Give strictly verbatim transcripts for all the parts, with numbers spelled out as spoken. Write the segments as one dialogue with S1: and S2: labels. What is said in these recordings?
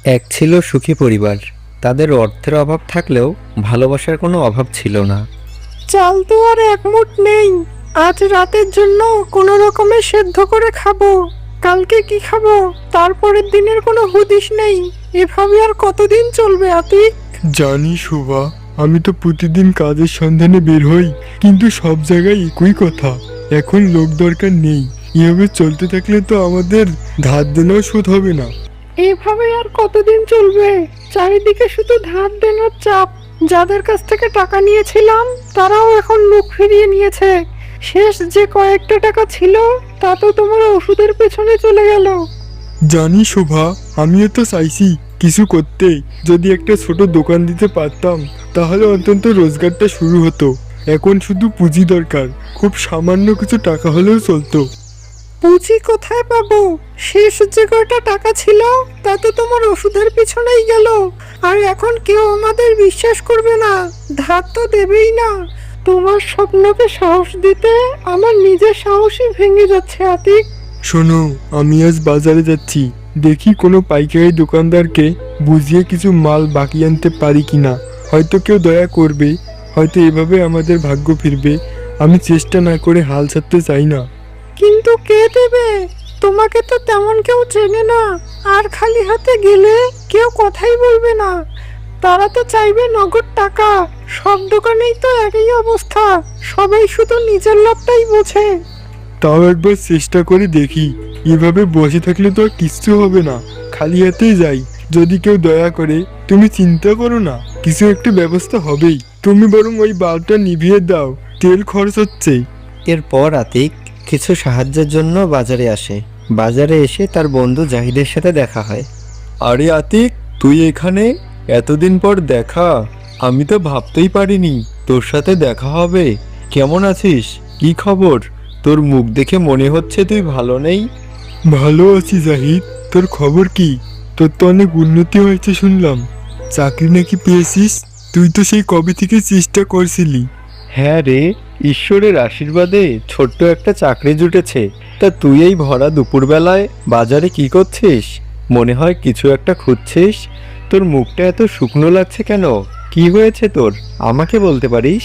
S1: এক ছিল সুখী পরিবার। তাদের অর্থের অভাব থাকলেও ভালোবাসার কোনো অভাব ছিল না।
S2: চাল তো আর এক মুঠ নেই। আজ রাতের জন্য কোনো রকমে সেদ্ধ করে খাবো। কালকে কি খাবো তারপরের দিনের কোনো হুদিস নেই। এভাবে আর কতদিন চলবে আতিক?
S3: জানি শোভা, আমি তো প্রতিদিন কাজের সন্ধানে বের হই, কিন্তু সব জায়গায় একই কথা, এখন লোক দরকার নেই। এভাবে চলতে থাকলে তো আমাদের ধার দেনাও শোধ হবে না।
S2: এভাবে আর কতদিন চলবে? চারিদিকে শুধু ধার দেনার চাপ। যাদের কাছ থেকে টাকা নিয়েছিলাম তারাও এখন মুখ ফিরিয়ে নিয়েছে। শেষ যে কয়েকটা টাকা ছিল তা তো তোমার ওষুধের পেছনে চলে গেল।
S3: জানি শোভা, আমিও তো চাইছি কিছু করতে। যদি একটা ছোট দোকান দিতে পারতাম তাহলে অন্তত রোজগারটা শুরু হতো। এখন শুধু পুঁজি দরকার, খুব সামান্য কিছু টাকা হলেও চলতো।
S2: পুঁজি কোথায় পাবো? শেষ যে কয়টা টাকা ছিল তা তো তোমার ওষুধের পিছনেই গেল। আর এখন কেউ আমাদের বিশ্বাস করবে না, ধার তো দেবেই না। তোমার স্বপ্নকে সাহস দিতে আমার নিজের সাহসই ভেঙে যাচ্ছে আতিক।
S3: শোনো, আমি আজ বাজারে যাচ্ছি, দেখি কোনো পাইকারি দোকানদারকে বুঝিয়ে কিছু মাল বাকি আনতে পারি কিনা। হয়তো কেউ দয়া করবে, হয়তো এভাবে আমাদের ভাগ্য ফিরবে। আমি চেষ্টা না করে হাল ছাড়তে চাই না।
S2: কিন্তু কে দেবে? তোমাকে তো তেমন কেউ চেনে না। আর খালি হাতে গেলে কেউ কথাই বলবে না। তারা তো চাইবে নগদ টাকা। সব দোকানেই তো একই অবস্থা, সবাই শুধু নিজের লাভটাই বোঝে।
S3: তাও একবার চেষ্টা করে দেখি। এভাবে বসে থাকলে তো আর কিচ্ছু হবে না, খালি হাতেই যাই। যদি কেউ দয়া করে, তুমি চিন্তা করো না, কিছু একটা ব্যবস্থা হবেই। তুমি বরং ওই বাল্বটা নিভিয়ে দাও, তেল খরচ হচ্ছে।
S1: এরপর আতিক কিছু সাহায্যের জন্য বাজারে আসে। বাজারে এসে তার বন্ধু জাহিদের সাথে দেখা হয়।
S4: আরে আতিক, তুই এখানে? এতদিন পর দেখা। আমি তো ভাবতেই পারিনি তোর সাথে দেখা হবে। কেমন আছিস? কি খবর? তোর মুখ দেখে মনে হচ্ছে তুই ভালো নেই।
S3: ভালো আছি জাহিদ, তোর খবর কি? তোর তো অনেক উন্নতি হয়েছে শুনলাম। চাকরি নাকি পেয়েছিস? তুই তো সেই কবে থেকে চেষ্টা করছিলি।
S4: হ্যাঁ রে, ঈশ্বরের আশীর্বাদে ছোট্ট একটা চাকরি জুটেছে। তা তুই এই ভরা দুপুরবেলায় বাজারে কি করছিস? মনে হয় কিছু একটা খুঁজছিস। তোর মুখটা এত শুকনো লাগছে কেন? কি হয়েছে তোর? আমাকে বলতে পারিস?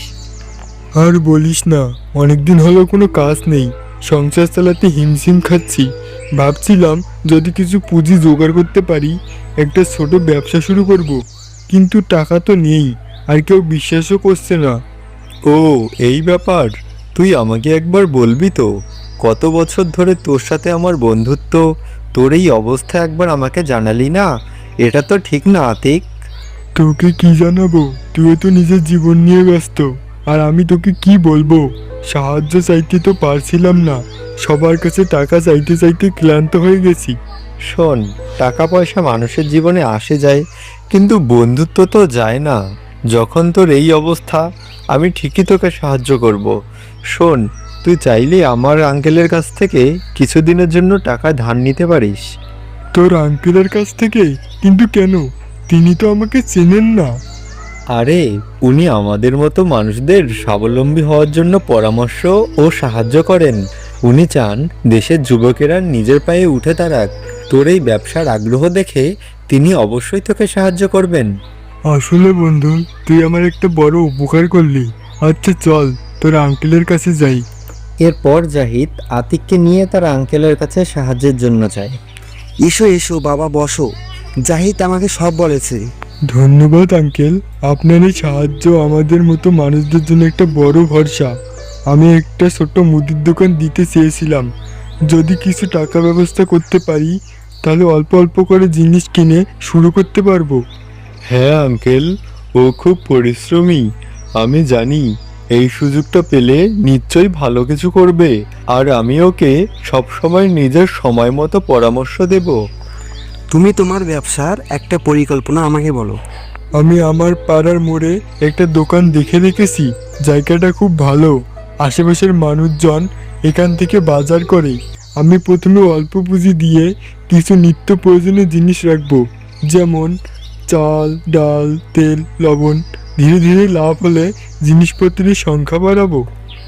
S3: আর বলিস না, অনেকদিন হলো কোনো কাজ নেই, সংসার চালাতে হিমশিম খাচ্ছি। ভাবছিলাম যদি কিছু পুঁজি জোগাড় করতে পারি, একটা ছোট ব্যবসা শুরু করব। কিন্তু টাকা তো নেই, আর কেউ বিশ্বাসও করছে না।
S4: ও, এই ব্যাপার। তুই আমাকে একবার বলবি তো? কত বছর ধরে তোর সাথে আমার বন্ধুত্ব, তোর এই অবস্থা একবার আমাকে জানালি না? এটা তো ঠিক না আতিক।
S3: তোকে কি জানাবো? তুই তো নিজের জীবন নিয়ে ব্যস্ত, আর আমি তোকে কি বলবো? সাহায্য চাইতে তো পারছিলাম না, সবার কাছে টাকা চাইতে চাইতে ক্লান্ত হয়ে গেছি।
S4: শোন, টাকা পয়সা মানুষের জীবনে আসে যায়, কিন্তু বন্ধুত্ব তো যায় না। যখন তোর এই অবস্থা, আমি ঠিকই তোকে সাহায্য করব। শোন, তুই চাইলে আমার আঙ্কেলের কাছ থেকে কিছুদিনের জন্য টাকা ধার নিতে পারিস।
S3: তোর আঙ্কেলের কাছ থেকে? কিন্তু কেন? তিনি তো আমাকে চেনেন না।
S4: আরে, উনি আমাদের মতো মানুষদের স্বাবলম্বী হওয়ার জন্য পরামর্শ ও সাহায্য করেন। উনি চান দেশের যুবকেরা নিজের পায়ে উঠে দাঁড়াক। তোর এই ব্যবসার আগ্রহ দেখে তিনি অবশ্যই তোকে সাহায্য করবেন।
S3: আসলে বন্ধু, তুই আমার একটা বড় উপকার করলি। আচ্ছা চল, তোর আঙ্কেলের কাছে যাই।
S1: এরপর জাহিদ আতিককে নিয়ে তার আঙ্কেলের কাছে সাহায্যের জন্য যায়।
S5: এসো এসো বাবা, বসো। জাহিদ আমাকে সব বলেছে।
S3: ধন্যবাদ আঙ্কেল, আপনার এই সাহায্য আমাদের মতো মানুষদের জন্য একটা বড় ভরসা। আমি একটা ছোট্ট মুদির দোকান দিতে চেয়েছিলাম। যদি কিছু টাকা ব্যবস্থা করতে পারি, তাহলে অল্প অল্প করে জিনিস কিনে শুরু করতে পারবো।
S4: হ্যাঁ আঙ্কেল, ও খুব পরিশ্রমী। আমি জানি এই সুযোগটা পেলে নিশ্চয়ই ভালো কিছু করবে। আর আমি ওকে সবসময় নিজের সময় মতো পরামর্শ দেব।
S5: তুমি তোমার ব্যবসার একটা পরিকল্পনা আমাকে বলো।
S3: আমি আমার পাড়ার মোড়ে একটা দোকান দেখে রেখেছি। জায়গাটা খুব ভালো, আশেপাশের মানুষজন এখান থেকে বাজার করে। আমি প্রথমে অল্প পুঁজি দিয়ে কিছু নিত্য প্রয়োজনীয় জিনিস রাখবো, যেমন চাল, ডাল, তেল, লবণ। ধীরে ধীরে লাভ হলে জিনিসপত্রের সংখ্যা বাড়াবো।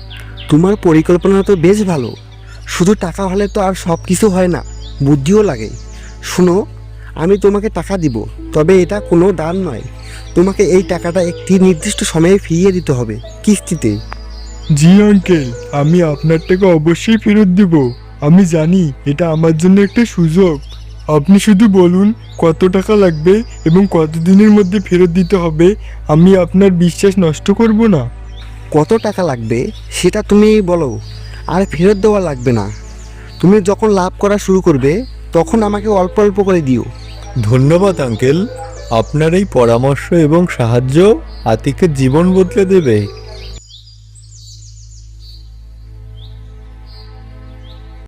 S5: তোমার পরিকল্পনা তো বেশ ভালো। শুধু টাকা হলে তো আর সব কিছু হয় না, বুদ্ধিও লাগে। শুনো, আমি তোমাকে টাকা দিব, তবে এটা কোনো দান নয়। তোমাকে এই টাকাটা একটি নির্দিষ্ট সময়ে ফিরিয়ে দিতে হবে, কিস্তিতে।
S3: জি আঙ্কেল, আমি আপনার টাকা অবশ্যই ফেরত দিব। আমি জানি এটা আমার জন্য একটা সুযোগ। আপনি শুধু বলুন কত টাকা লাগবে এবং কত দিনের মধ্যে ফেরত দিতে হবে। আমি আপনার বিশ্বাস নষ্ট করব না।
S5: কত টাকা লাগবে সেটা তুমি বলো, আর ফেরত দেওয়া লাগবে না। তুমি যখন লাভ করা শুরু করবে তখন আমাকে অল্প অল্প করে দিও।
S4: ধন্যবাদ আঙ্কেল, আপনার এই পরামর্শ এবং সাহায্য আতিকের জীবন বদলে দেবে।